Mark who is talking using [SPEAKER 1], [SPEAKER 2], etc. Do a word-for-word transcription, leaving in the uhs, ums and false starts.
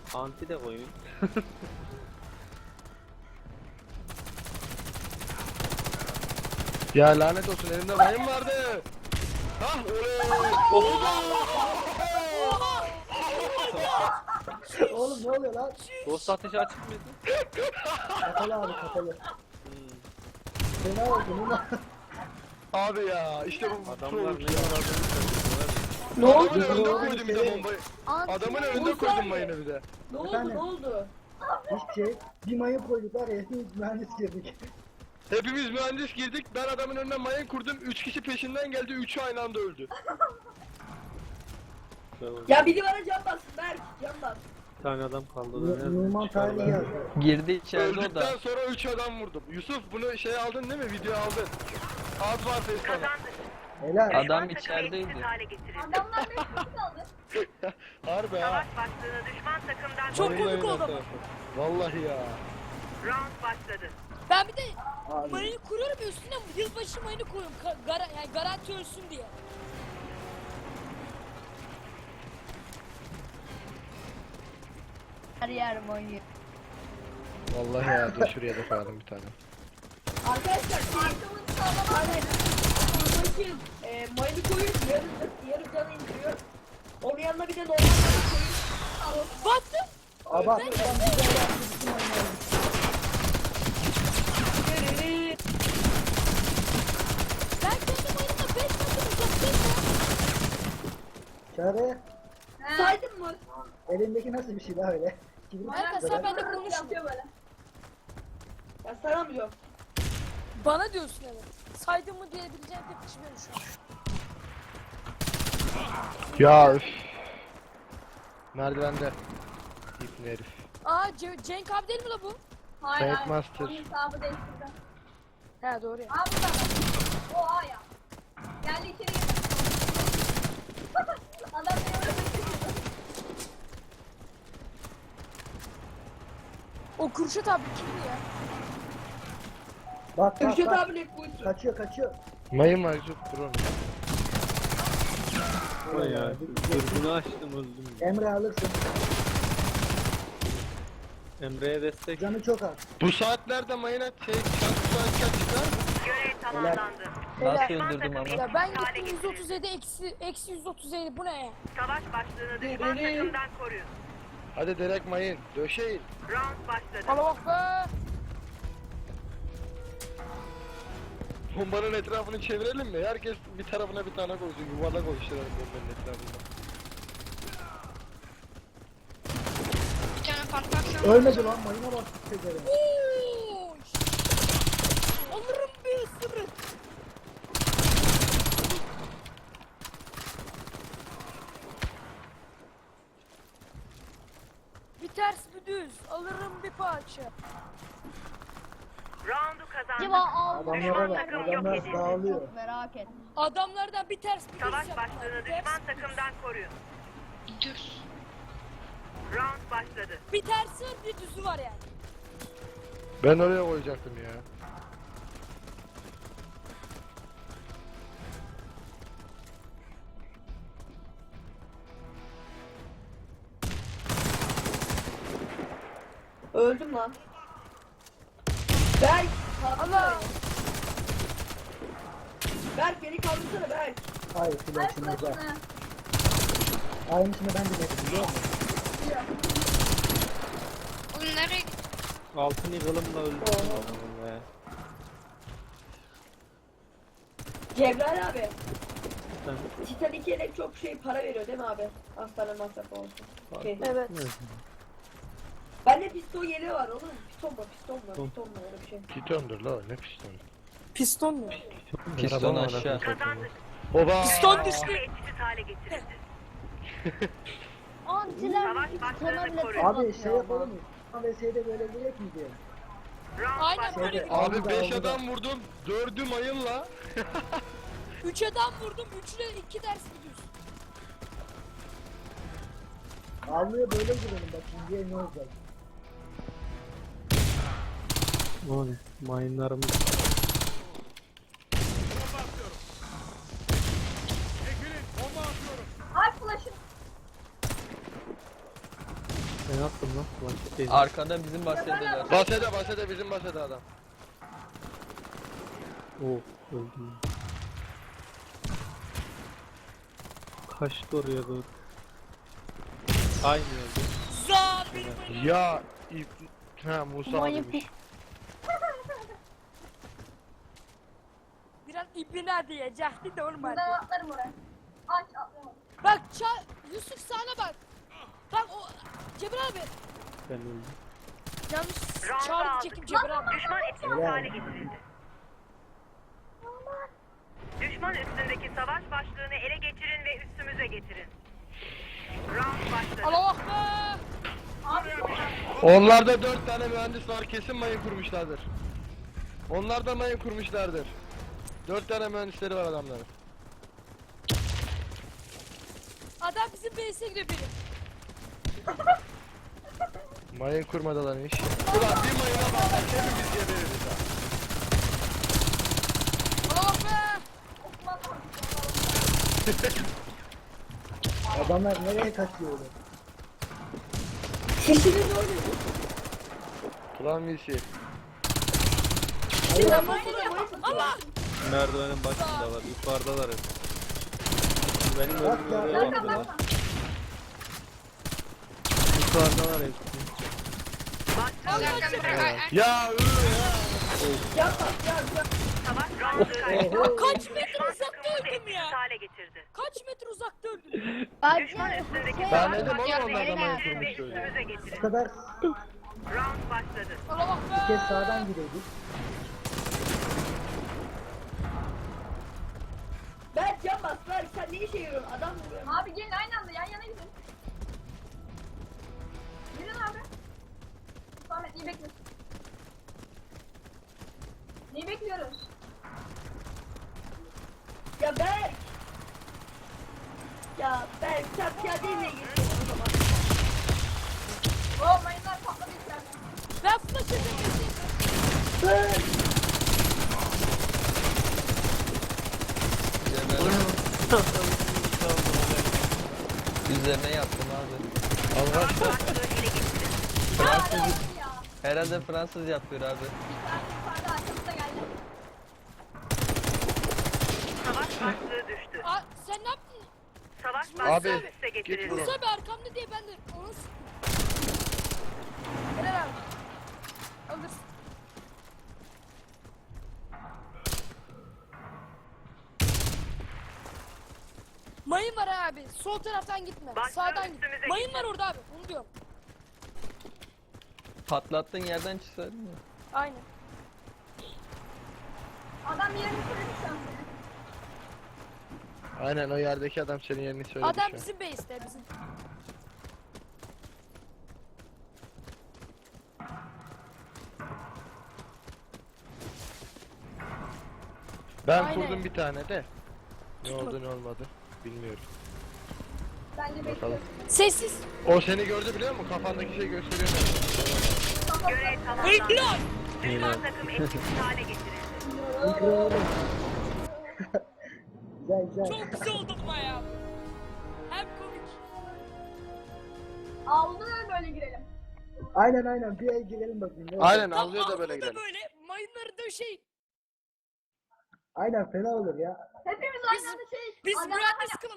[SPEAKER 1] Anti de koyun.
[SPEAKER 2] Ya lanet olsun elimde mayın vardı. Hah oley.
[SPEAKER 3] Oğlum ne oluyor lan?
[SPEAKER 1] Dost ateşi açık mıydı?
[SPEAKER 3] Kapalı abi kapalı.
[SPEAKER 1] Hmm.
[SPEAKER 3] Fena oldu Numa.
[SPEAKER 2] Abi ya işte bu
[SPEAKER 1] Adamlar ne
[SPEAKER 2] pro ya.
[SPEAKER 1] yaradığını söylüyorlar.
[SPEAKER 4] Ne oldu?
[SPEAKER 2] Adamın önünde
[SPEAKER 3] Oğlum,
[SPEAKER 2] koydum bir de
[SPEAKER 3] şey-
[SPEAKER 2] bombayı.
[SPEAKER 4] Anti-
[SPEAKER 2] Adamın önünde
[SPEAKER 4] Musa
[SPEAKER 2] koydum
[SPEAKER 4] abi.
[SPEAKER 2] mayını bir de.
[SPEAKER 4] Ne oldu
[SPEAKER 3] Efendim?
[SPEAKER 4] ne oldu?
[SPEAKER 3] Hiçbir şey. Bir mayın koyduk var ya hepimiz mühendis girdik.
[SPEAKER 2] Hepimiz mühendis girdik. Ben adamın önüne mayın kurdum. Üç kişi peşinden geldi. Üçü aynı anda öldü.
[SPEAKER 4] Ya biri bana can bassın Berk can bas.
[SPEAKER 1] Bir tane adam kaldı.
[SPEAKER 3] N- Numan tarihi yazdı.
[SPEAKER 5] Girdi içeride o
[SPEAKER 2] Öldükten
[SPEAKER 5] da.
[SPEAKER 2] sonra üç adam vurdum. Yusuf bunu şey aldın değil mi? Video aldın. Az var Facebook'ta.
[SPEAKER 3] Helal.
[SPEAKER 5] Adam içerideydi.
[SPEAKER 6] Adamlar beş kişi kaldı.
[SPEAKER 2] Harbi ha.
[SPEAKER 7] Başlığını düşman takımdan
[SPEAKER 8] Çok
[SPEAKER 7] koruyun.
[SPEAKER 8] komik oldu ama.
[SPEAKER 2] Vallahi ya.
[SPEAKER 7] Round başladı.
[SPEAKER 8] Ben bir de
[SPEAKER 3] Abi.
[SPEAKER 8] mayını kuruyorum üstüne yılbaşı mayını koyuyorum. Ka- gara yani garanti ölsün diye.
[SPEAKER 6] Her yer oynuyor.
[SPEAKER 2] Vallahi ya. Dur şuraya da koyalım bir tane.
[SPEAKER 4] Arkadaşlar şey
[SPEAKER 6] Arkamın sağlam.
[SPEAKER 4] aynen. Buradaki e, mayını koyup yarım, yarım canı indiriyor. Onun yanına bir de normal canı koyup.
[SPEAKER 8] Battım.
[SPEAKER 3] Aba adam bir daha yaptı bütün mayınları.
[SPEAKER 8] Ben kendi mayınımla beş metre uzaktayım ya.
[SPEAKER 3] Çare
[SPEAKER 4] Saydın mı?
[SPEAKER 3] elindeki nasıl bir şey daha öyle?
[SPEAKER 8] Kanka sen benimle konuşma.
[SPEAKER 6] Yapıyor böyle.
[SPEAKER 4] Ya saramıyorum.
[SPEAKER 8] Bana diyorsun evet. Saydın mı diyebileceğim tek kişi benim şu an.
[SPEAKER 2] Ya üf. Merdivende. İpni herif.
[SPEAKER 8] Aa Ce- Cenk abi değil mi la bu?
[SPEAKER 6] Hayır
[SPEAKER 2] Fake
[SPEAKER 6] hayır.
[SPEAKER 2] Master.
[SPEAKER 6] Onun hesabı değiştirdi.
[SPEAKER 8] He doğru ya.
[SPEAKER 6] Abi burada. O A ya. Geldi içeri girdi. Adam beni öldürdü.
[SPEAKER 8] O Kürşat abi kimdi ya?
[SPEAKER 3] Bak bak
[SPEAKER 4] Kürşat
[SPEAKER 3] bak.
[SPEAKER 4] abi ne buydu?
[SPEAKER 3] Kaçıyor kaçıyor.
[SPEAKER 2] Mayın var Yusuf. Dur onu.
[SPEAKER 1] O ya. Dürbünü açtım öldüm.
[SPEAKER 3] Emre alırsın.
[SPEAKER 1] Emre'ye destek.
[SPEAKER 3] Canı çok az.
[SPEAKER 2] Bu saatlerde mayına şey şarkı çıkar mı?
[SPEAKER 7] Görev tamamlandı.
[SPEAKER 5] Nasıl öldürdüm ama.
[SPEAKER 8] Ya ben gittim yüz otuz yedi eksi eksi yüz otuz yedi bu ne ya?
[SPEAKER 7] Savaş başlığını düşman takımdan koruyun.
[SPEAKER 2] Hadi direkt mayın. Döşeyin.
[SPEAKER 7] Round başladı.
[SPEAKER 8] Bana bak be.
[SPEAKER 2] Bombanın etrafını çevirelim mi? Herkes bir tarafına bir tane koysun. Yuvarlak oluşturalım bombanın etrafında.
[SPEAKER 3] Ölmedi lan mayına bak. Tezerim.
[SPEAKER 8] Oy. Alırım bir ısırık. Bir ters bir düz. Alırım bir parça.
[SPEAKER 7] Roundu kazandı.
[SPEAKER 6] Acaba aldı.
[SPEAKER 3] Adamlara bak.
[SPEAKER 7] takım yok
[SPEAKER 3] Adamlar
[SPEAKER 7] edildi.
[SPEAKER 3] dağılıyor.
[SPEAKER 6] Çok merak et.
[SPEAKER 8] Adamlardan bir ters bir düz
[SPEAKER 7] Savaş
[SPEAKER 8] yaptılar.
[SPEAKER 7] başlığını
[SPEAKER 8] Ters
[SPEAKER 7] düşman
[SPEAKER 8] bir düz.
[SPEAKER 7] takımdan koruyun. Round başladı.
[SPEAKER 8] Bir tersi var bir düzü var yani.
[SPEAKER 2] Ben oraya koyacaktım ya.
[SPEAKER 4] Öldüm lan. Berk.
[SPEAKER 8] Allah.
[SPEAKER 4] Berk beni kaldırsana Berk.
[SPEAKER 3] Hayır
[SPEAKER 6] Ay
[SPEAKER 3] flash'ını uzak.
[SPEAKER 6] flaşını.
[SPEAKER 3] Aynısını ben de dedim biliyor musun?
[SPEAKER 1] Altın yığılımla öldüm. Adamım be.
[SPEAKER 4] Cevher abi.
[SPEAKER 1] Sen-
[SPEAKER 4] Titanic'e de çok şey para veriyor değil mi abi? Hastane masrafı olsun. Şey.
[SPEAKER 8] Evet.
[SPEAKER 4] Bende piston yeleği var oğlum. Piston mu? Piston mu?
[SPEAKER 1] Piston.
[SPEAKER 4] Piston mu? Öyle bir şey.
[SPEAKER 2] Pitondur la ne piston.
[SPEAKER 8] Piston mu?
[SPEAKER 5] Piston aşağı.
[SPEAKER 7] Kazandık.
[SPEAKER 2] Oba.
[SPEAKER 8] Piston düştü.
[SPEAKER 7] Ve etkisiz hale getirildi.
[SPEAKER 6] Antiler
[SPEAKER 7] Savaş
[SPEAKER 6] iki
[SPEAKER 7] başlığını
[SPEAKER 6] tona bile
[SPEAKER 7] koruyun.
[SPEAKER 6] çok
[SPEAKER 3] Abi
[SPEAKER 6] atıyor
[SPEAKER 3] şey
[SPEAKER 6] ama.
[SPEAKER 3] yapalım mı? V S'de böyle gerek mi diye?
[SPEAKER 7] Round
[SPEAKER 8] Aynen
[SPEAKER 7] başladı.
[SPEAKER 8] böyle.
[SPEAKER 3] Şeyde-
[SPEAKER 2] Abi
[SPEAKER 3] Aldı da,
[SPEAKER 2] beş
[SPEAKER 3] aldı da.
[SPEAKER 2] adam vurdum. Dördü mayınla.
[SPEAKER 8] Üç adam vurdum. Üçüne iki ters bir düz.
[SPEAKER 3] Avluya böyle girelim bak şimdiye ne olacak?
[SPEAKER 1] O ne? Mayınlarımız.
[SPEAKER 6] Ay flaşın.
[SPEAKER 1] Ben attım lan. Başka değil.
[SPEAKER 5] Arkadan bizim bahsediyorlar.
[SPEAKER 2] Basede basede bizim basede adam.
[SPEAKER 1] Oh öldüm. Kaçtı oraya doğru. Aynı yerde.
[SPEAKER 8] Za benim
[SPEAKER 2] Ya ip... Ha Musa abiymiş.
[SPEAKER 8] biraz ipine diyecekti de olmadı.
[SPEAKER 6] Buradan atlarım oraya. Aç atlayamadım.
[SPEAKER 8] Bak ça Yusuf sana bak. Bak o Cemil abi.
[SPEAKER 1] Ben öldüm.
[SPEAKER 8] Yanlış
[SPEAKER 7] Round
[SPEAKER 8] çağrı
[SPEAKER 7] aldık.
[SPEAKER 8] çekim Cemil abi.
[SPEAKER 7] Düşman etkisiz hale getirildi. Düşman üstündeki savaş başlığını ele geçirin ve üstümüze getirin. Round başladı.
[SPEAKER 8] Allah bak be.
[SPEAKER 2] Onlarda dört tane mühendis var, kesin mayın kurmuşlardır. Onlar da mayın kurmuşlardır. Dört tane mühendisleri var adamların.
[SPEAKER 8] Adam bizim base'e giriyor benim.
[SPEAKER 2] Mayın kurmadılarmış. Ulan bir mayına bak, hepimiz gebeririz ha.
[SPEAKER 8] Allah bak be.
[SPEAKER 3] Adamlar nereye kaçıyor öyle?
[SPEAKER 4] Sesini doğru.
[SPEAKER 2] Ulan birisi.
[SPEAKER 4] Ben basana mayın
[SPEAKER 8] Allah.
[SPEAKER 1] Merdivenin başındalar. Yukarıdalar hep. Benim
[SPEAKER 3] Bak
[SPEAKER 1] öldüğüm
[SPEAKER 3] ya,
[SPEAKER 1] oraya
[SPEAKER 3] bak,
[SPEAKER 1] gidiyorlar. Yukarıdalar hepsi.
[SPEAKER 8] Allah Cemil.
[SPEAKER 2] Ya ıı ya.
[SPEAKER 4] Can bas can can.
[SPEAKER 7] Savaş round kazandı.
[SPEAKER 8] Kaç metre
[SPEAKER 7] Düşman
[SPEAKER 8] uzakta
[SPEAKER 7] takımımızı
[SPEAKER 8] öldüm
[SPEAKER 7] etkisiz
[SPEAKER 8] ya.
[SPEAKER 7] hale getirdi.
[SPEAKER 8] Kaç metre uzakta öldüm.
[SPEAKER 7] Düşman üstündeki
[SPEAKER 2] Ben
[SPEAKER 7] savaş
[SPEAKER 2] dedim oğlum
[SPEAKER 7] başlığını
[SPEAKER 2] onlar da
[SPEAKER 7] ele
[SPEAKER 2] mayın
[SPEAKER 7] geçirin ve
[SPEAKER 2] kurmuş öyle.
[SPEAKER 7] üstümüze
[SPEAKER 3] Bu
[SPEAKER 7] getirin.
[SPEAKER 3] kadar
[SPEAKER 7] Round başladı.
[SPEAKER 8] Allah bak
[SPEAKER 3] bir kez
[SPEAKER 8] be.
[SPEAKER 3] sağdan gireydik.
[SPEAKER 4] Ben can bas lan sen ne işe yarıyorsun adam vuruyor.
[SPEAKER 6] Abi gelin aynı anda yan yana gidin. Gidin abi. Ahmet iyi bekle. Neyi bekliyoruz?
[SPEAKER 4] Ya Berk. Ya Berk sen piyadeyle gittin o zaman.
[SPEAKER 6] Oo mayınlar patladı içeride.
[SPEAKER 8] Ben flash edeyim.
[SPEAKER 4] Berk.
[SPEAKER 5] Üzerine yattım abi.
[SPEAKER 2] Arkadaşlar
[SPEAKER 7] Başlığı ele geçirin.
[SPEAKER 5] Fransız, herhalde Fransız yapıyor abi.
[SPEAKER 6] Bir tane yukarıda arkamızda geldi.
[SPEAKER 7] Savaş başlığı düştü.
[SPEAKER 8] Aa, sen ne yaptın?
[SPEAKER 7] Savaş
[SPEAKER 2] Abi,
[SPEAKER 7] başlığı üste
[SPEAKER 2] git
[SPEAKER 7] getirildi.
[SPEAKER 2] buradan.
[SPEAKER 8] Musa abi arkamda diye ben de onu s- Helal abi. Alırsın. Mayın var ha abi. Sol taraftan gitme.
[SPEAKER 7] Başka
[SPEAKER 8] Sağdan git.
[SPEAKER 7] üstümüze
[SPEAKER 8] Mayın
[SPEAKER 7] gitme.
[SPEAKER 8] var orada abi. Onu diyorum.
[SPEAKER 5] Patlattığın yerden çıksaydın ya.
[SPEAKER 8] Aynen.
[SPEAKER 6] Adam yerini söyledi şu an seni.
[SPEAKER 2] aynen o yerdeki adam senin yerini söyledi
[SPEAKER 8] Adam
[SPEAKER 2] şu an.
[SPEAKER 8] bizim base'te bizim.
[SPEAKER 2] Ben
[SPEAKER 8] Aynen.
[SPEAKER 2] kurdum bir tane de. Ne oldu ne olmadı bilmiyorum.
[SPEAKER 6] Bence
[SPEAKER 2] Bakalım.
[SPEAKER 6] bekliyoruz.
[SPEAKER 8] Sessiz.
[SPEAKER 2] O seni gördü biliyor musun? Kafandaki şey gösteriyor mu?
[SPEAKER 7] Görev tamamlandı.
[SPEAKER 8] Helal.
[SPEAKER 7] Düşman takım etkisiz hale getirildi.
[SPEAKER 3] Mikro oğlum. Güzel güzel.
[SPEAKER 8] Çok güzel oldu bu ya. Hem komik.
[SPEAKER 6] Aldı böyle girelim.
[SPEAKER 3] Aynen aynen bir el girelim bakayım. ne olacak?
[SPEAKER 2] Aynen avluya da böyle
[SPEAKER 8] Altta
[SPEAKER 2] gidelim.
[SPEAKER 8] böyle mayınları döşeyin.
[SPEAKER 3] Aynen fena olur ya.
[SPEAKER 6] Hepimiz aynı anda şey.
[SPEAKER 8] Biz
[SPEAKER 6] Adam-
[SPEAKER 8] mühendis kılalım.